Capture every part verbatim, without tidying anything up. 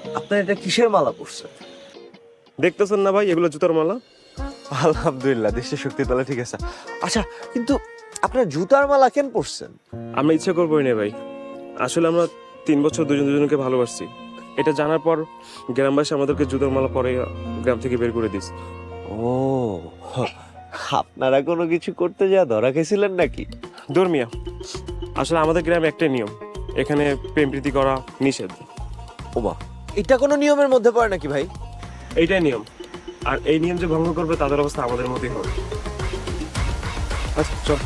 আপনার এটা কিসের মালা পরছেন? দেখতেছেন না ভাই, এগুলো জুতার মালা। আলহামদুলিল্লাহ, দেশের শক্তি তাহলে ঠিক আছে। আচ্ছা, কিন্তু আপনার জুতার মালা কেন পরছেন? আমরা ইচ্ছা করবোই না ভাই, আসলে আমরা তিন বছর দুজন দুজনকে ভালোবাসছি। এটা জানার পর গ্রামবাসী আমাদেরকে জুতার মালা পরে গ্রাম থেকে বের করে দিস। ও, আপনারা কোনো কিছু করতে যা ধরা খেয়েছিলেন নাকি? ধর্মিয়া, আসলে আমাদের গ্রামে একটাই নিয়ম, এখানে প্রেম প্রীতি করা নিষেধ। ওবা, এটা কোনো নিয়মের মধ্যে পড়ে নাকি ভাই? এইটাই নিয়ম, আর এই নিয়ম যে ভঙ্গ করবে তাদের অবস্থা আমাদের মতোই হবে। আচ্ছা চল।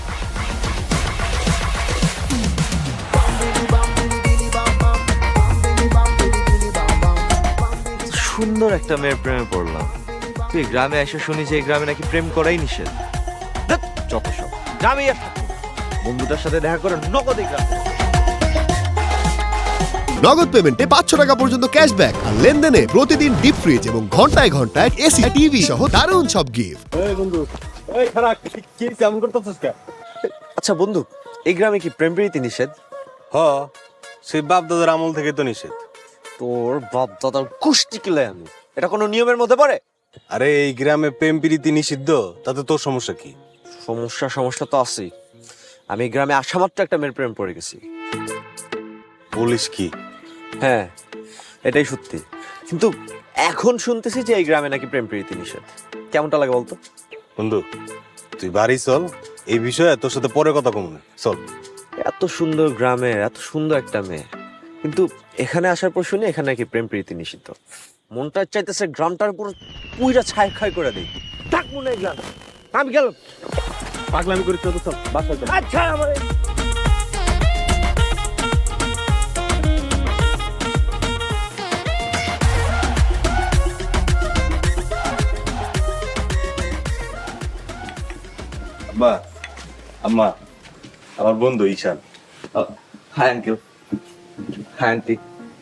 সুন্দর একটা মেয়ের প্রেমে পড়লাম, তুই গ্রামে এসে শুনি যে এই গ্রামে নাকি প্রেম করাই নিষেধ। ধ্যাৎ, যত সব গ্রামে আর থাকবো না। বন্ধুটার সাথে দেখা করে নগদে গ্রাম। নগদ পেমেন্টে পাঁচশো টাকা পর্যন্ত ক্যাশব্যাক আর লেনদেনে প্রতিদিন ডিপ ফ্রিজ এবং ঘন্টায় ঘন্টায় এসি টিভি সহ দারুণ সব গিফট। আচ্ছা বন্ধু, এই গ্রামে কি প্রেম প্রীতি নিষেধ? হ, সেই বাপ দাদার আমল থেকে তো নিষেধ। তোর বাপ দাদার কুষ্টি কিলে আমি, এটা কোনো নিয়মের মধ্যে পড়ে? আরে এই গ্রামে প্রেম প্রীতি নিষিদ্ধ, তাতে তোর সমস্যা কি? সমস্যা সমস্যা তো আছেই। আমি এই গ্রামে আসা মাত্র একটা মেয়ের প্রেম পড়ে গেছি। বলিস কি? হ্যাঁ, এটাই সত্যি। কিন্তু এখন শুনতেছি যে এই গ্রামে নাকি প্রেম প্রীতি নিষেধ। কেমনটা লাগে বলতো? বন্ধু, তুই বাড়ি চল, এই বিষয়ে তোর সাথে পরে কথা কম না, চল। এত সুন্দর গ্রামের এত সুন্দর একটা মেয়ে, কিন্তু এখানে আসার পর শুনি এখানে নাকি প্রেম প্রীতি নিষিদ্ধ। মনটা চাইতেছে গ্রামটার পুরো পুইরা ছাই খাই করে দিই। থাক মনে হয় গ্রাম, আমি গেলাম। পাগলামি করিস না তো, চল বাসায় চল। আচ্ছা আমার আব্বা, আম্মা, আমার বন্ধু Ishan. Hi uncle, hi aunty.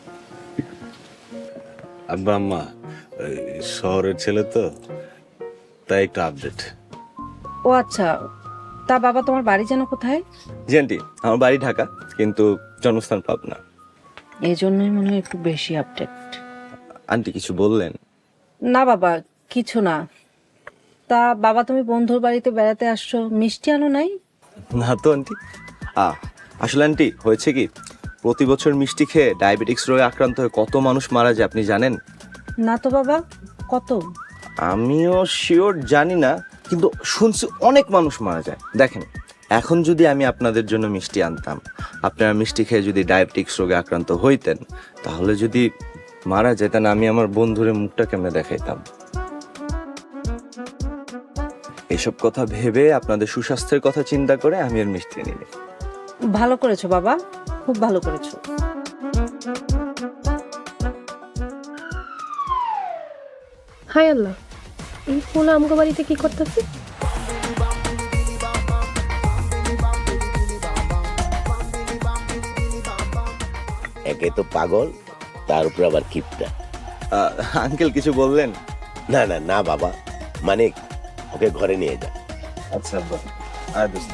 আব্বা আম্মা, এই শহরের ছেলে তো, তাই একটু আপডেট। ও আচ্ছা, তা বাবা তোমার বাড়ি যেন কোথায়? জি আন্টি, আমার বাড়ি ঢাকা, কিন্তু জন্মস্থান পাবনা। এই জন্যই মনে হয় একটু বেশি আপডেট। আন্টি কিছু বললেন? না বাবা, কিছু না। তা বাবা তুমি বন্ধুর বাড়িতে বেড়াতে আসছো, মিষ্টি আনো নাই? না তো আন্টি। আ আসলে আন্টি হয়েছে কি, প্রতি বছর মিষ্টি খেয়ে ডায়াবেটিক্স রোগে আক্রান্ত হয়ে কত মানুষ মারা যায় আপনি জানেন? না তো বাবা, কত? আমিও শিওর জানি না, কিন্তু শুনছি অনেক মানুষ মারা যায়। দেখেন, এখন যদি আমি আপনাদের জন্য মিষ্টি আনতাম, আপনারা মিষ্টি খেয়ে যদি ডায়াবেটিক্স রোগে আক্রান্ত হইতেন, তাহলে যদি মারা যেতেন, আমি আমার বন্ধুরে মুখটা কেমনে দেখাইতাম? এসব কথা ভেবে আপনাদের সুস্বাস্থ্যের কথা চিন্তা করে আমি আর মিষ্টি নিই। ভালো করেছো বাবা, খুব ভালো করেছো। হাই আল্লাহ, এই পোলা আমগো বাড়িতে কি করতেছে? একে তো পাগল, তার উপর আবার কিপটা। আঙ্কেল কিছু বললেন? না না না বাবা, মানে ওকে ঘরে নিয়ে যা। আচ্ছা আব্বা, আয় দোস্ত।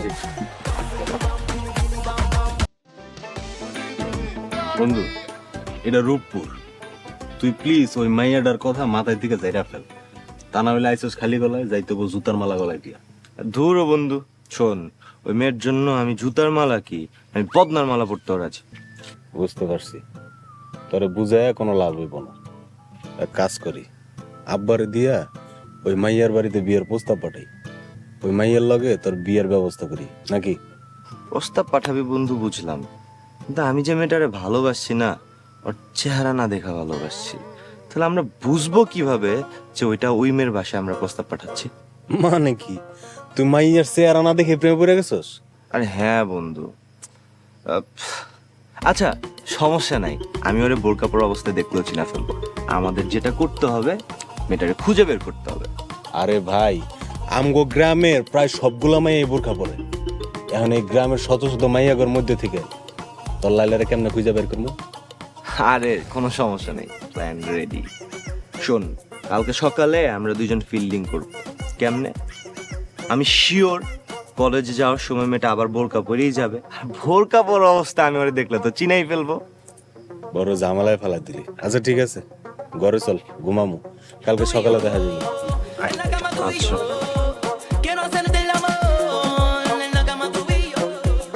বন্ধু, এটা রূপপুর, তুই প্লিজ ওই মাইয়াডার কথা মাথায় দিকে যাইরা ফেল, তা না হলে আইসোস খালি গলায় যাইতে হবো জুতার মালা গলায় দিয়া। ধুর ও বন্ধু, শোন, ওই মেয়ের জন্য আমি জুতার মালা কি, আমি পদ্মার মালা পরতে রাজি। বুঝতে পারছি, তোরে বুঝায় কোনো লাভ হইব না। এক কাজ করি, আব্বারে দিয়া ওই মাইয়ার বাড়িতে বিয়ের প্রস্তাব পাঠাই, ওই মাইয়ার লগে তোর বিয়ের ব্যবস্থা করি নাকি? প্রস্তাব পাঠাবি বন্ধু বুঝলাম, কিন্তু আমি যে মেয়েটারে ভালোবাসছি না, ওর চেহারা না দেখা ভালোবাসছি, তাহলে আমরা বুঝবো কিভাবে যে ওইটা ওই মেয়ের বাসায় আমরা প্রস্তাব পাঠাচ্ছি? মানে কি, তুই মাইয়ার চেহারা না দেখে প্রেমে পড়ে গেছস? আরে হ্যাঁ বন্ধু। আহ, আচ্ছা সমস্যা নাই, আমি ওরে বোরকা পরা অবস্থায় দেখলেও চিনা ফেলবো। আমাদের যেটা করতে হবে, মেয়েটারে খুঁজে বের করতে হবে। আরে ভাই, আমগো গ্রামের প্রায় সবগুলা মাইয়া বোরখা পরে, এখন এই গ্রামের শত শত মাইয়াগর মধ্যে থেকে তোর লাইলারে কেমনে খুঁজে বের করবো? আরে কোনো সমস্যা নেই, প্ল্যান রেডি। শোন, কালকে সকালে আমরা দুজন ফিল্ডিং করব। কেমনে? আমি শিওর কলেজে যাওয়ার সময় মেয়েটা আবার বোরকা পরেই যাবে, আর বোরকা পরা অবস্থা আমি ওরে দেখলে তো চিনাই ফেলবো। বড় ঝামেলায় ফেলা দিলি। আচ্ছা ঠিক আছে, ঘরে চল, ঘুমামু, কালকে সকালে দেখা যাবে। আচ্ছা Quiero hacerte el amor en la cama tú y yo.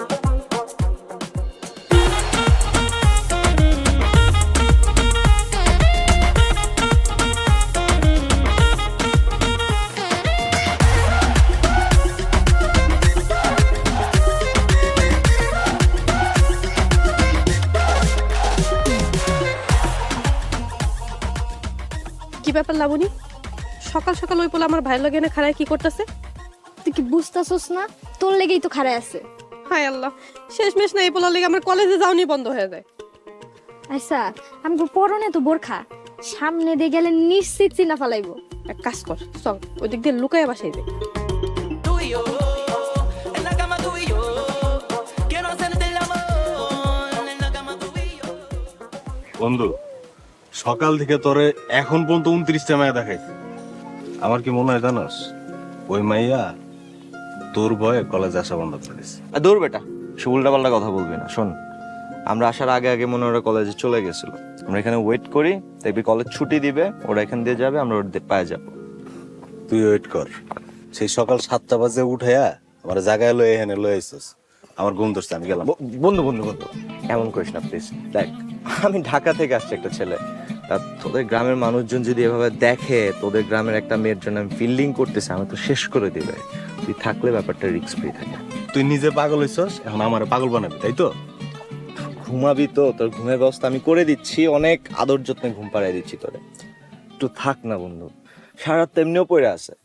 কি ব্যাপার লাবণী, সকাল সকাল ওই পোলা আমার ভাইয়ের লগে এনে খাড়ায় কি করতেছে? তুই কি বুঝতেছস না? তোর লেগেই তো খাড়ায় আছে। হায় আল্লাহ, শেষমেশ না এই পোলার লেগে আমার কলেজে যাওনি বন্ধ হয়ে যায়। আচ্ছা, আমি পরনে তো বোরখা, সামনে দিয়ে গেলে নিশ্চিত চিনা ফালাইবো। এক কাজ কর, চল ওই দিক দিয়ে লুকায় বাসাই দে। Tú y yo, en la cama tú y yo. Quiero hacerte el amor en la cama tú y yo. বন্ধু, সকাল থেকে তোরে এখন পর্যন্ত উনত্রিশটা মায়া দেখাইছে। আমার কি মনে হয় জানোস, ওই মাইয়া তোর ভয়ে কলেজে আসা বন্ধ করে দিছে। আর দূর বেটা, সে উল্টাপাল্টা কথা বলবি না। শোন, আমরা আসার আগে আগে মনে ওরা কলেজে চলে গেছিল, আমরা এখানে ওয়েট করি, দেখবি কলেজ ছুটি দিবে, ওরা এখান দিয়ে যাবে, আমরা ওর দিয়ে পায়ে যাবো। তুই ওয়েট কর, সেই সকাল সাতটা বাজে উঠাইয়া আমার জায়গায় লয়ে এখানে লয়ে আইসস। আমার ঘুম ধরছে, আমি গেলাম। ব- বন্ধু বন্ধু বন্ধু এমন করিস না প্লিজ। দেখ, আমি ঢাকা থেকে আসছি একটা ছেলে, তা তোদের গ্রামের মানুষজন যদি এভাবে দেখে তোদের গ্রামের একটা মেয়ের জন্য আমি ফিল্ডিং করতেছি, আমি তো শেষ করে দিবে। তুই থাকলে ব্যাপারটা রিস্ক ফ্রি থাকে। তুই নিজে পাগল হইছস, এখন আমার পাগল বানাবি, তাই তো? ঘুমাবি তো, তোর ঘুমের ব্যবস্থা আমি করে দিচ্ছি, অনেক আদর যত্নে ঘুম পাড়াই দিচ্ছি তোরে। একটু থাক না বন্ধু, সারা রাত তো এমনিও পড়ে আছে।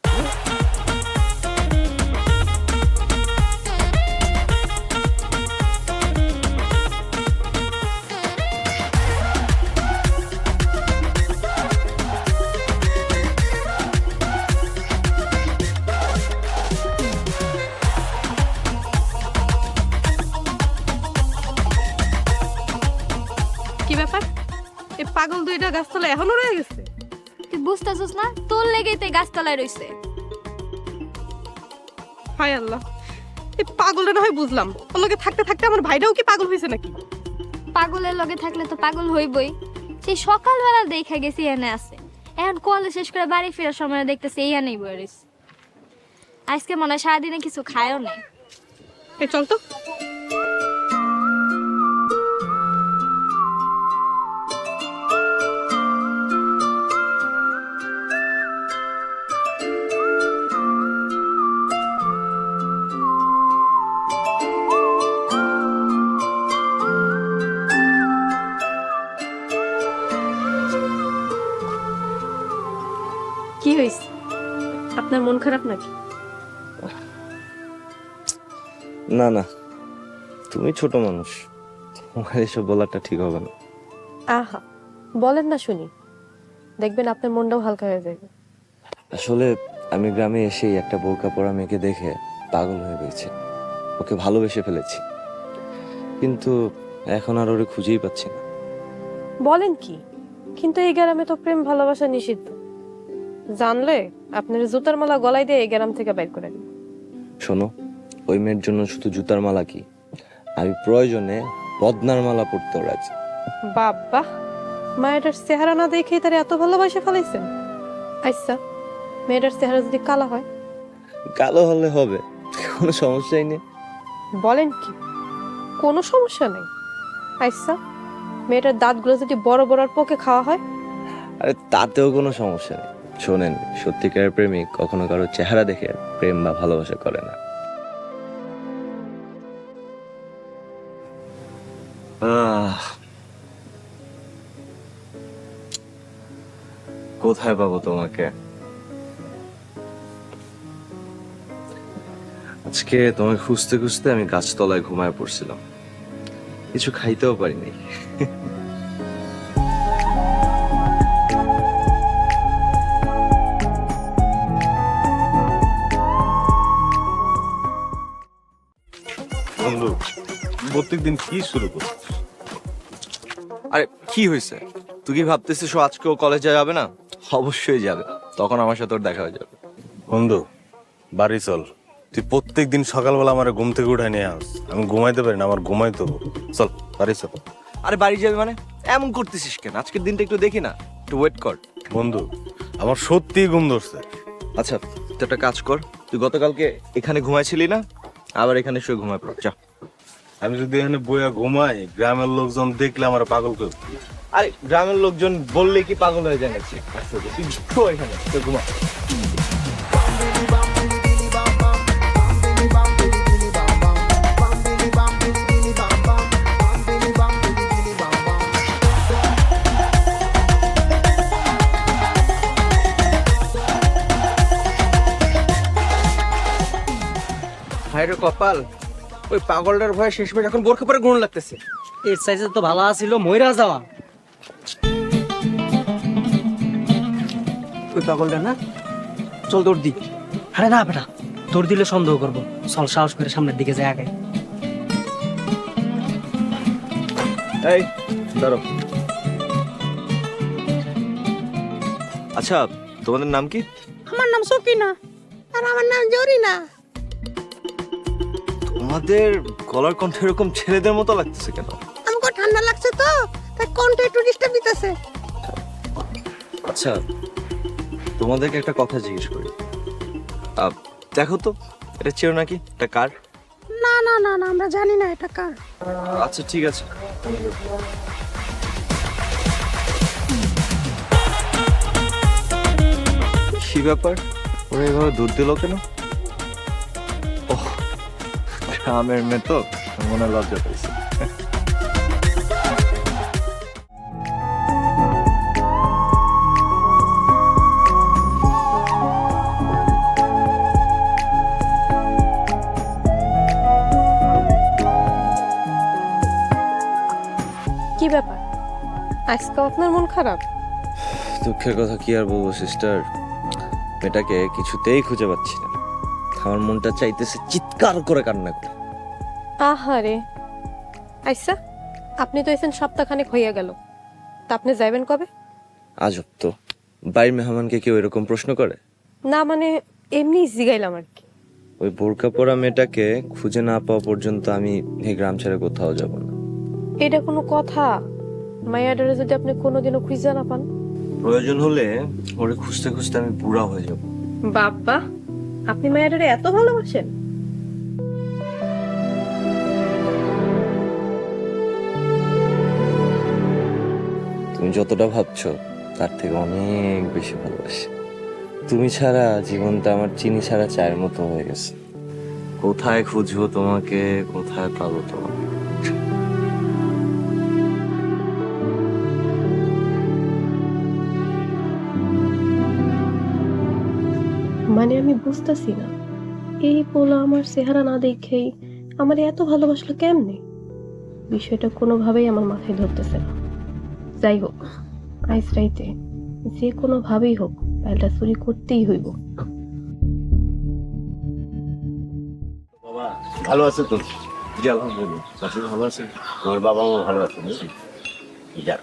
কি ব্যাপার, এই পাগল দুইটা গাছতলা এখনো রয়ে গেছে? তুই বুঝতেছস না? তোর লেগেই তো এই গাছতলায় রইছে। হায় আল্লাহ, এই পাগলটা না হয় বুঝলাম, ওর লগে থাকতে থাকতে আমার ভাইটাও কি পাগল হয়েছে নাকি? পাগলের লগে থাকলে তো পাগল হইবই। সেই সকালবেলা দেখা গেছি এনে আছে, এখন কলেজ শেষ করে বাড়ি ফেরার সময় দেখতেছি এই এনেই বয়ে রইছে। আজকে মনে হয় সারাদিনে কিছু খায়ও নেই। এই চল তো। কি হয়েছে, আপনার মন খারাপ নাকি? না না, তুমি ছোট মানুষ, তোমার এসব বলাটা ঠিক হবে না। আহা, বলেন না শুনি, দেখবেন আপনার মনটাও হালকা হয়ে যাবে। আসলে আমি গ্রামে এসেই একটা বোরকা পরা মেয়েকে দেখে পাগল হয়ে গেছি, ওকে ভালোবেসে ফেলেছি, কিন্তু এখন আর ওরে খুঁজেই পাচ্ছি না। বলেন কি? কিন্তু এই গ্রামে তো প্রেম ভালোবাসা নিষিদ্ধ, জানলে আপনার জুতার মালা গলায় দিয়ে এই গ্রাম থেকে বাইর করে দিন। শোনো, ওই মেয়ের জন্য শুধু জুতার মালা কি, আমি প্রয়োজনে বদনার মালা পরতেও রাজি। বাবা, মেয়েটার চেহারা না দেখেই তার এত ভালোবাসা ফেলাইছেন? আচ্ছা, মেয়েটার চেহারা যদি কালা হয়? কালো হলে হবে, কোনো সমস্যাই নেই। বলেন কি? কোনো সমস্যা নেই? আচ্ছা, মেয়েটার দাঁতগুলো যদি বড় বড় আর পোকে খাওয়া হয়? আরে তাতেও কোনো সমস্যা নেই। শোনেন, সত্যিকারের প্রেমিক কখনো কারো চেহারা দেখে প্রেম বা ভালোবাসা করে না। আহ, কোথায় পাবো তোমাকে? আজকে তোমাকে খুঁজতে খুঁজতে আমি গাছতলায় ঘুমায় পড়ছিলাম, কিছু খাইতেও পারিনি। বন্ধু, প্রত্যেকদিন কি শুরু করছিস? আরে কি হয়েছে? তুই কি ভাবতেছিস ও আজকেও কলেজে যাবে না? অবশ্যই যাবে, তখন আমার সাথে ওর দেখা হয়ে যাবে। বন্ধু, বাড়ি চল। তুই প্রত্যেক দিন সকালবেলা আমার ঘুম থেকে উঠাই নিয়ে আস, আমি ঘুমাইতে পারি না, আমার ঘুমাইতে হবে। চল বাড়ি চল। আরে বাড়ি যাবে মানে এমন করতেছিস কেন? আজকের দিনটা একটু দেখি না, একটু ওয়েট কর। বন্ধু আমার সত্যিই ঘুম ধরছে। আচ্ছা তুই একটা কাজ কর, তুই গতকালকে এখানে ঘুমাইছিলি না, আবার এখানে শুয়ে ঘুমায় পড় যা। আমি যদি এখানে বইয়া ঘুমাই, গ্রামের লোকজন দেখলে আমার পাগল করে। আরে গ্রামের লোকজন বললে কি পাগল হয়ে যায় নাকি? আচ্ছা তুই শো এখানে, তুই ঘুমা। ভাইরে কপাল, ওই পাগলটার ভয়ে শেষমেশ এখন বোরখা পরে গুণ লাগতেছে। এর সাইজে তো ভালো আছিল মইরা যাওয়া। ওই পাগলটা না, চল দৌড় দি। আরে না বেটা, তোর দিলে সন্দেহ করবো। চল সাহস করে সামনের দিকে যায় আগে। এই দাঁড়াও। আচ্ছা তোমাদের নাম কি? আমার নাম সকিনা আর আমার নাম জরিনা। তোমাদের গলার কণ্ঠ এরকম ছেলেদের মতো লাগতেছে কেন? আমাকে ঠান্ডা লাগছে তো, তাই কণ্ঠ একটু ডিস্টার্ব দিতেছে। আচ্ছা তোমাদেরকে একটা কথা জিজ্ঞেস করি, আহ, দেখো তো এটা চেনো নাকি, এটা কার? না না না না, আমরা জানি না এটা কার। আচ্ছা ঠিক আছে। কি ব্যাপার, ওরা এভাবে দূর দিল কেন? ওহ গ্রামের মেয়ে তো, মনে লজ্জা পেয়েছে। কি ব্যাপার, আজকে আপনার মন খারাপ? দুঃখের কথা কি আর বলবো সিস্টার, মেয়েটাকে কিছুতেই খুঁজে পাচ্ছি না। আমার মনটা চাইতেছে চিৎকার করে কান্না করে। আহারে, আচ্ছা আপনি তো এসেন সপ্তাহখানেক হইয়া গেল, তা আপনি যাইবেন কবে? আজব তো, বাড়ির মেহমানকে কেউ এরকম প্রশ্ন করে? না মানে এমনি জিগাইলাম আর কি। ওই বোরকা পরা মেয়েটাকে খুঁজে না পাওয়া পর্যন্ত আমি এই গ্রাম ছেড়ে কোথাও যাব না। এটা কোনো কথা? মায়াডারে যদি আপনি কোনোদিনও খুঁজে না পান? প্রয়োজন হলে ওরে খুঁজতে খুঁজতে আমি বুড়া হয়ে যাব। বাবা, আপনি মায়াডারে এত ভালোবাসেন? তুমি যতটা ভাবছো তার থেকে অনেক বেশি ভালোবাসি। তুমি ছাড়া জীবনটা আমার চিনি ছাড়া চায়ের মতো হয়ে গেছে। কোথায় খুঁজবো তোমাকে, কোথায় পাবো তোমাকে? মানে আমি বুঝতেছি না, এই পোলা আমার চেহারা না দেখেই আমার এত ভালোবাসলো কেমনে? বিষয়টা কোনোভাবেই আমার মাথায় ধরতেছে না। যাই হোক, আইস রাইতে যে কোনো ভাবেই হোক পাইলটা চুরি করতেই হইব। বাবা ভালো আছে তো? জি আলহামদুলিল্লাহ, চাচি ভালো আছে, আমার বাবা মা ভালো আছে। যাক,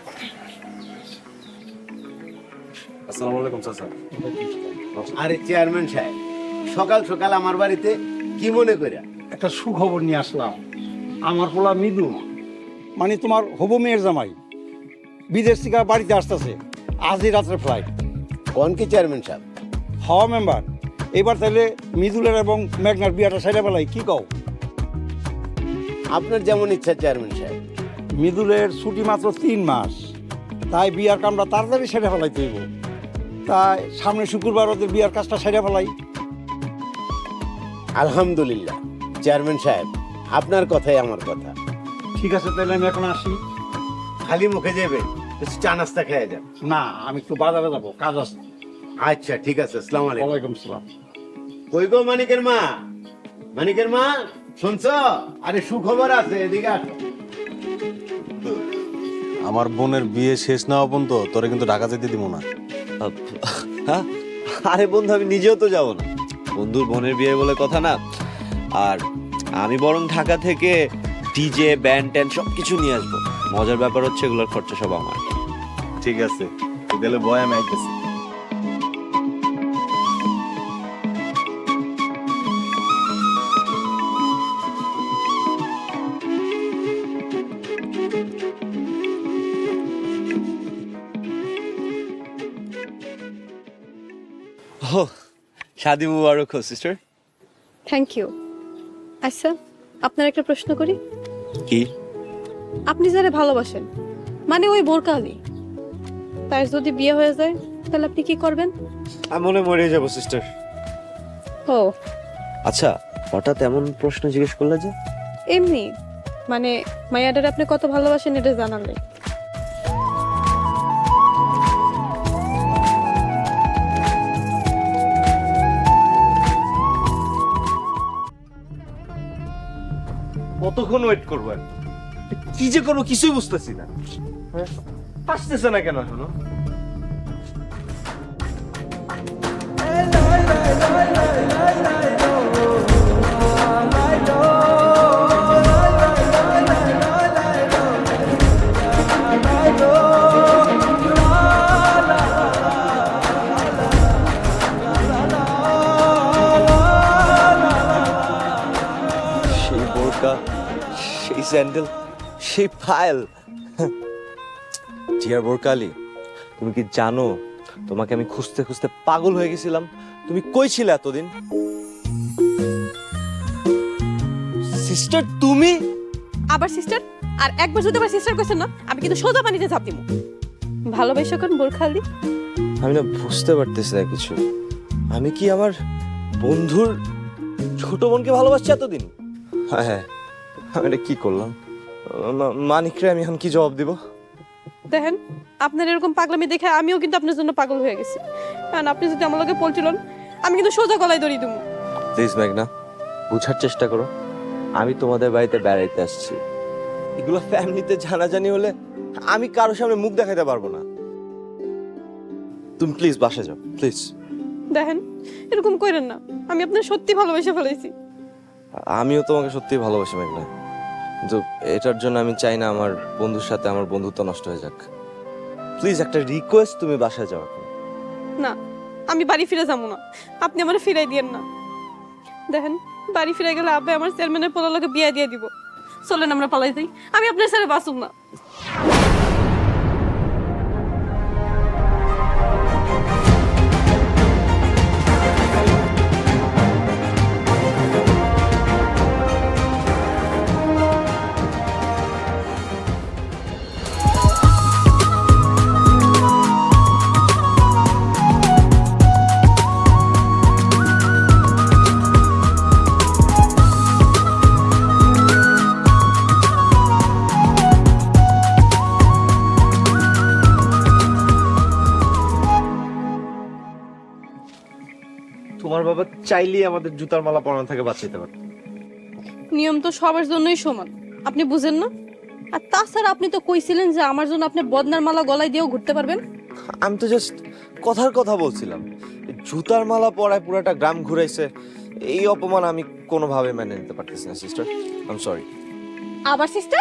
আসসালামু আলাইকুম চাচা। আরে চেয়ারম্যান সাহেব, সকাল সকাল আমার বাড়িতে কি মনে করে? একটা সুখবর নিয়ে আসলাম। আমার পোলা মৃদু, মানে তোমার হবু মেয়ের জামাই, বিদেশ থেকে বাড়িতে আসতেছে। আজই রাত্রে ফ্লাইট। কোন কি চেয়ারম্যান সাহেব? হওয়া মেম্বার, এবার তাহলে মৃদুলের এবং মেঘনার বিয়াটা সাইডে বেলায় কি কও? আপনার যেমন ইচ্ছা চেয়ারম্যান সাহেব। মৃদুলের ছুটি মাত্র তিন মাস, তাই বিয়ার কামটা তাড়াতাড়ি সেরে ফেলাইতে হইব। তাই সামনে শুক্রবার ওদের বিয়ার কাজটা সেরে ফেলাই। আলহামদুলিল্লাহ চেয়ারম্যান সাহেব, আপনার কথাই আমার কথা। ঠিক আছে, তাহলে আমি এখন আসি। খালি মুখে যাবে, একটু চা নাস্তা খেয়ে যান। না, আমি একটু বাজারে যাবো, কাজ আছে। আচ্ছা ঠিক আছে, আসসালামু আলাইকুম। ওয়ালাইকুম সালাম। কই গো মানিকের মা, মানিকের মা শুনছো? আরে সুখবর আছে, এদিকে আসো। আমার বোনের বিয়ে শেষ না হওয়া পর্যন্ত তোরে কিন্তু ঢাকা যেতে দিব না। হ্যাঁ? আরে বন্ধু, আমি নিজেও তো যাব না। বন্ধুর বোনের বিয়ে বলে কথা না। আর আমি বরং ঢাকা থেকে ডিজে ব্যান্ড ট্যান্ড সব কিছু নিয়ে আসবো। মজার ব্যাপার হচ্ছে এগুলোর খরচা সব আমার। ঠিক আছে, তুই তাহলে বয়, আমি আইতেছি। ও শাদি মুবারক হো সিস্টার। Thank you. আচ্ছা, আপনার একটা প্রশ্ন করি। কি? আপনি যারা ভালোবাসেন, মানে ওই বোরকা আলী, তার যদি বিয়ে হয়ে যায় তাহলে আপনি কি করবেন? আমি মনে মরে যাবো সিস্টার। ও আচ্ছা, হঠাৎ এমন প্রশ্ন জিজ্ঞেস করলে যে? এমনি, মানে মায়াডার আপনি কত ভালোবাসেন এটা জানালে। কতক্ষণ ওয়েট করবো? আর কি যে করবো কিছুই বুঝতেছি না। হ্যাঁ? আসতেছে না কেন এখনো? সেই বোরকা, সেই স্যান্ডেল, সেই ফাইল। জিয়ার বোরকালি, তুমি কি জানো তোমাকে আমি খুঁজতে খুঁজতে পাগল হয়ে গেছিলাম? তুমি কই ছিলে এতদিন? সিস্টার তুমি? আবার সিস্টার? আর একবার যদি আবার সিস্টার কইছেন না, আমি কিন্তু সোজা পানিতে ঝাঁপ দিব। ভালোবাসো কোন বোরকা আলী? আমি না বুঝতে পারতেছি না কিছু। আমি কি আমার বন্ধুর ছোট বোনকে ভালোবাসছি এতদিন? হ্যাঁ হ্যাঁ, আমি এটা কি করলাম? মা- মানিকরে আমি এখন কি জবাব দিব? দেখেন, আপনার এরকম পাগলামি দেখে আমিও কিন্তু আপনার জন্য পাগল হয়ে গেছি। কারণ আপনি যদি আমার লগে পলছিলেন, আমি কিন্তু সোজা গলায় দড়ি দেবো। প্লিজ মেঘনা, বুঝার চেষ্টা করো। আমি তোমাদের বাড়িতে বেড়াইতে আসছি। এগুলো ফ্যামিলিতে জানাজানি হলে আমি কারোর সামনে মুখ দেখাতে পারবো না। তুমি প্লিজ বাসা যাও, প্লিজ। দেখেন, এরকম করেন না, আমি আপনার সত্যি ভালোবেসে ফেলেছি। আমিও তোমাকে সত্যিই ভালোবাসি মেঘনা, কিন্তু এটার জন্য আমি চাই না আমার বন্ধুর সাথে আমার বন্ধুত্ব নষ্ট হয়ে যাক। প্লিজ একটা রিকোয়েস্ট, তুমি বাসায় যাও এখন। না, আমি বাড়ি ফিরে যাবো না, আপনি আমার ফিরাই দিয়েন না। দেখেন, বাড়ি ফিরে গেলে আব্বা আমার চেয়ারম্যানের পোলালোকে বিয়ে দিয়ে দিব। চলেন আমরা পালাই যাই, আমি আপনার ছেড়ে বাঁচুম না। তোমার বাবা চাইলেই আমাদের জুতার মালা পরানো থেকে বাঁচাতে পারত। নিয়ম তো সবার জন্যই সমান, আপনি বুঝেন না? আর তাছাড়া আপনি তো কইছিলেন যে আমার জন্য আপনি বদনার মালা গলায় দিয়েও ঘুরতে পারবেন। আমি তো জাস্ট কথার কথা বলছিলাম। জুতার মালা পরায় পুরাটা গ্রাম ঘুরাইছে, এই অপমান আমি কোনোভাবে মেনে নিতে পারতেছি না সিস্টার। I am sorry. আবার সিস্টার?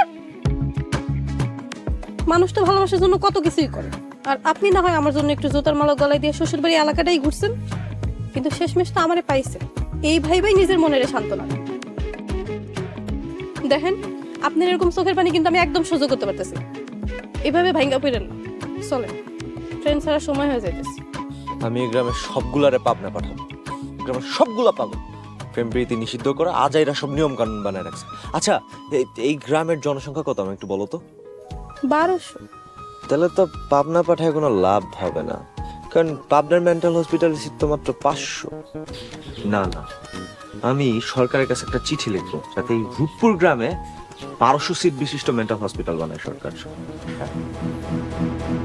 মানুষ তো ভালোবাসার জন্য কত কিছুই করে, আর আপনি না হয় আমার জন্য একটু জুতার মালা গলায় দিয়ে শ্বশুর বাড়ি এলাকাটাই ঘুরছেন, কিন্তু শেষমেশ তো আমারে পাইছে। এই ভাইবাই নিজের মনের সান্ত্বনা। দেখেন, আপনার এরকম চোখের পানি কিন্তু আমি একদম সহ্য করতে পারতেছি। এভাবে ভাঙ্গা পড়েন না, চলে ট্রেন ছাড়ার সময় হয়ে যাইতেছে। আমি এই গ্রামের সবগুলারে পাবনা পাঠাবো। গ্রামের সবগুলা পাগল, প্রেম প্রীতি নিষিদ্ধ করা আজাইরা সব নিয়ম কানুন বানায় রাখছে। আচ্ছা, এই- এই গ্রামের জনসংখ্যা কত আমি একটু বলো তো? বারোশো। তাহলে তো পাবনা পাঠায় কোনো লাভ হবে না, কারণ পাবনার মেন্টাল হসপিটালের সিট তো মাত্র পাঁচশো। না না, আমি সরকারের কাছে একটা চিঠি লিখবো যাতে এই রূপপুর গ্রামে বারোশো সিট বিশিষ্ট মেন্টাল হসপিটাল বানায় সরকার।